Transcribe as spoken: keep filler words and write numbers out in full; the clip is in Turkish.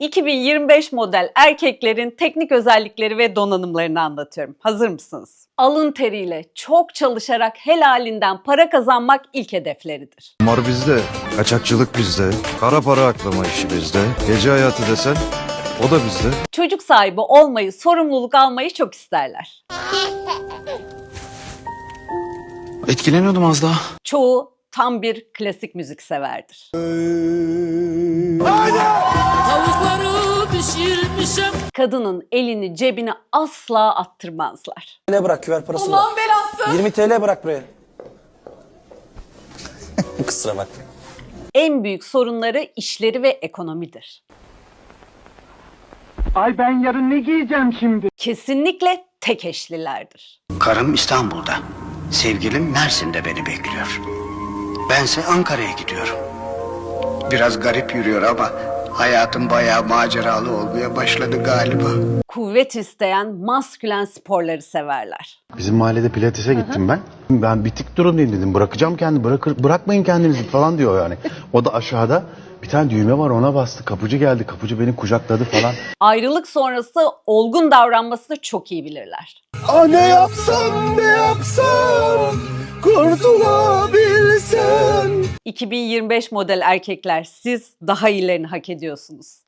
iki bin yirmi beş model erkeklerin teknik özellikleri ve donanımlarını anlatıyorum. Hazır mısınız? Alın teriyle, çok çalışarak helalinden para kazanmak ilk hedefleridir. Kumar bizde, kaçakçılık bizde, kara para aklama işi bizde, gece hayatı desen o da bizde. Çocuk sahibi olmayı, sorumluluk almayı çok isterler. Etkileniyordum az daha. Çoğu tam bir klasik müzik severdir. Tavukları pişirmişim. Kadının elini cebine asla attırmazlar. T L bırak, küver parası var. Aman belası. yirmi T L bırak buraya. Kusura bakma. En büyük sorunları işleri ve ekonomidir. Ay ben yarın ne giyeceğim şimdi? Kesinlikle tek eşlilerdir. Karım İstanbul'da. Sevgilim Mersin'de beni bekliyor. Bense Ankara'ya gidiyorum. Biraz garip yürüyor ama hayatım bayağı maceralı olmaya başladı galiba. Kuvvet isteyen maskülen sporları severler. Bizim mahallede pilatese gittim ben. Ben bitik durumdayım dedim. Bırakacağım kendimi. Bırakır, bırakmayın kendinizi falan diyor yani. O da aşağıda bir tane düğme var, ona bastı. Kapıcı geldi. Kapıcı beni kucakladı falan. Ayrılık sonrası olgun davranmasını çok iyi bilirler. Ah ne yapsam ne yapsam kurtulabilsem. iki bin yirmi beş model erkekler, siz daha iyilerini hak ediyorsunuz.